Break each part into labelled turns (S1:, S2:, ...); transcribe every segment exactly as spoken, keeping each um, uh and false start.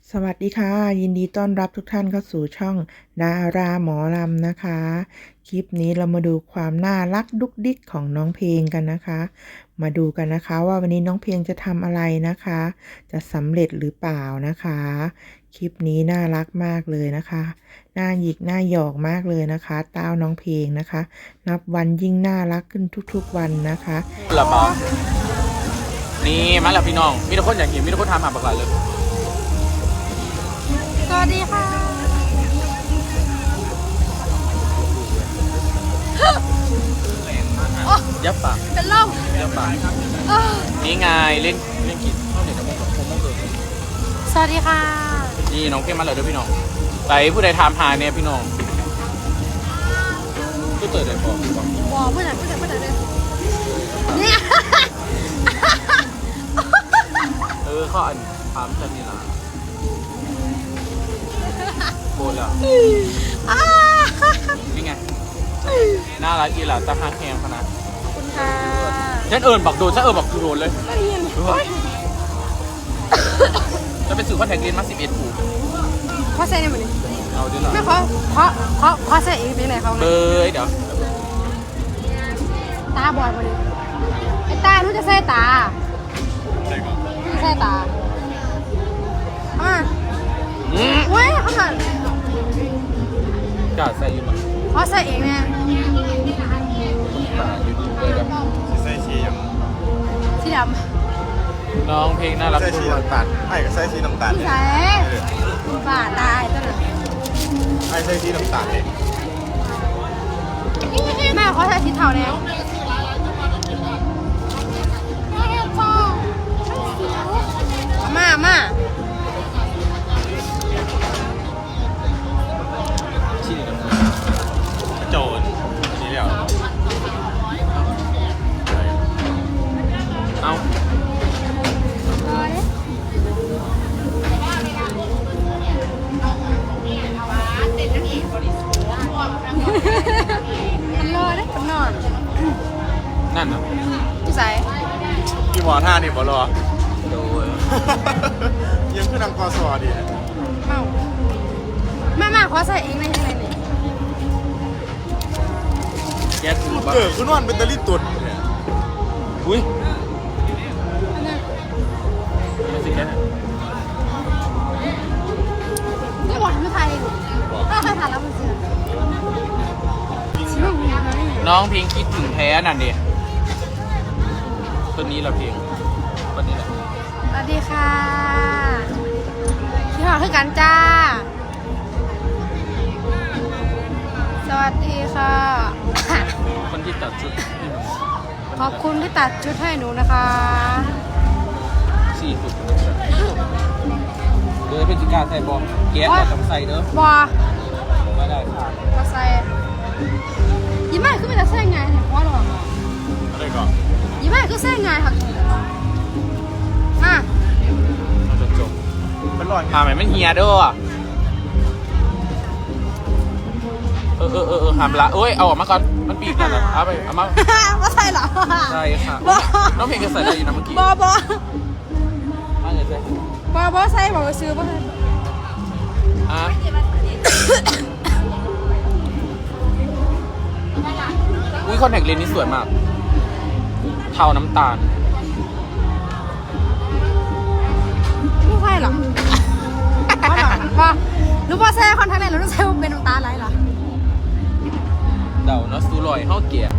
S1: สวัสดีค่ะยินดีต้อนรับทุกท่านเข้าสู่ช่องดาราหมอลำนะคะคลิปนี้เรามาดูความน่ารักดุกดิกของน้องเพลงกันนะคะ มาดูกันนะคะว่าวันนี้น้องเพลงจะทำอะไรนะคะ จะสำเร็จหรือเปล่านะคะ คลิปนี้น่ารักมากเลยนะคะน่าหยิกน่าหยอกมากเลยนะคะเต้าน้องเพลงนะคะ นับวันยิ่งน่ารักขึ้นทุกๆวันนะคะ
S2: ละบานี่มาแล้วพี่น้องมีทุกคนอยากเห็นมีทุกคนทำหาบักหลายเลย
S3: สวัสดีค่ะ
S2: ยับปาก
S3: เป็นลม
S2: ยับปากนี่ไงเล่นเล่นกินข้าวเหนียวกับมะม่วงมะม่วงเกิด
S3: สวัสดีค่ะ
S2: นี่น้องเพ่งมาเลยด้วยพี่น้องไปผู้ใดถามหาเนี่ยพี่น้องก็เติร์ดได้บอกบอก
S3: บอกเพื่อนเพื่อนเพื่อนเลยเนี่ย
S2: เออข้ออันถามฉันนี่ล่ะโคตรแล้วนี่ไงน่ารักอีหล่ะตาฮักแฮงขนาด
S3: ขอบคุณค่ะ
S2: ฉันเอิญบักโดนฉันเอิญบักโดนเลย
S3: ไม่เห็น
S2: จะเป็นสื่อคอนแทคเลนส์มาสิบเอ็ดผู
S3: ขอใส่ในมือนี้
S2: เอาดิล่ะ
S3: ไม่ขอขอขอขอใส่อีกเป็นไหนเขา
S2: เบยเดี๋ยว
S3: ตาบอดมาดิไอ้ตารู้จะใส่ตาใส่ตาอ่ะเว้ยเขาหัน
S2: กาใส่อยู่มั้ง
S3: ขอใส่เองเนี่ย
S4: ใส่ชียัง
S3: สีด
S2: ำน้องเพลงน่ารัก
S4: ใส่ชีน้ำตาลไอ้ก็ใส่ชีน้ำตาล
S3: ใส่บาดตายตัวนั้น
S4: ไอ้ใส่ชีน้ำตาลเลย
S3: แม่เขาใส่สีเทาแล้วมามา
S2: ชีน้ำ
S4: โจรชีเดียว
S2: เอา
S3: มันรอได้คนนอน
S2: นั่นอ่ะ
S3: พี่ใส่
S4: พี่หมอท่านี่บอรอ
S2: โดย
S4: ยังขึ้นนางกอสอดี
S3: เมาแม่แม่ขอใส่เองในยังไงนี่
S2: แกถือบ้า
S4: เกิดขึ้นวันเป็นตะลิตุด
S2: อุ้ยไม่สิแก
S3: นี่หวานไม่ไทยถ้าใครทานแล้วมันเสีย
S2: น้องเพลงคิดถึงแท้นั่นดิตัวนี้เราเพลงวันนี้แหละ
S3: สวัสดีค่ะพี่หอคือกันจ้าสวัสดีค่ะ
S2: คนที่ตัดชุด
S3: ขอบคุณที่ตัดชุดให้หนูนะคะ
S2: สี่สุดเบอร์เป็นจิกาใส่บอมแก๊สแต่ต้องใส่เนอะ
S3: บอ
S2: ไม่ได้
S3: ก็ใส่ยิ้มไม่คือไม่จะใส่ไงเนี่ยเพราะหรอ
S4: อะไรก่อน
S3: ยิ้มไม่คือใส่ไงค่ะมา
S2: เราจะจบ
S4: มันร้อน
S2: หาไหมมันเฮียด้วยเออเออเออหามละเอ้ยเอาออกมาก่อนมันปีกกันแล้วเอาไปเอามา
S3: ว่าใส่หรอ
S2: ใช่ค่ะน้องเพลงจะใส่ได้อยู่นะเมื่อกี้
S3: บอบอ
S2: มาเลยใส่
S3: บอบอใส่บอกว่าซื้อบ่
S2: อ่ะอุ้ยคอนแทคเลนส์นี่สวยมากเทาน้ำตาล
S3: ไม่ใช่หรอว่าหรอว่ารู้ว่าใส่คอนแทคเลนส์แล้วรู้ใส่เป็นน้ำตาลอะไรหรอ
S2: เดาเนาะสูลอยเข้าเกียร์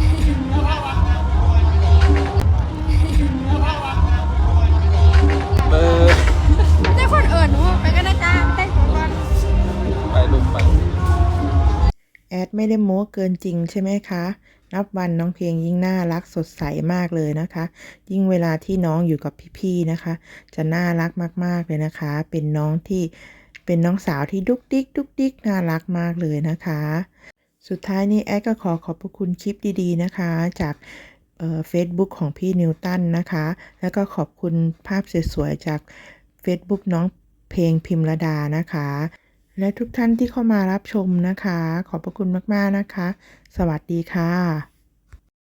S2: เบอร์
S3: ได้คนเอิญหนูไปกันนะจ้าเต้นก่อน
S2: ไปลุกไป
S1: แอดไม่ได้โม้เกินจริงใช่ไหมคะนับวันน้องเพลงยิ่งน่ารักสดใสมากเลยนะคะยิ่งเวลาที่น้องอยู่กับพี่ๆนะคะจะน่ารักมากๆเลยนะคะเป็นน้องที่เป็นน้องสาวที่ดุกดิกดุกดิกน่ารักมากเลยนะคะสุดท้ายนี้แอดก็ขอขอบพระคุณคลิปดีๆนะคะจากเอ่อ Facebook ของพี่นิวตันนะคะแล้วก็ขอบคุณภาพสวยๆจาก Facebook น้องเพลงพิมรดานะคะและทุกท่านที่เข้ามารับชมนะคะขอบพระคุณมากๆนะคะสวัสดีค่ะ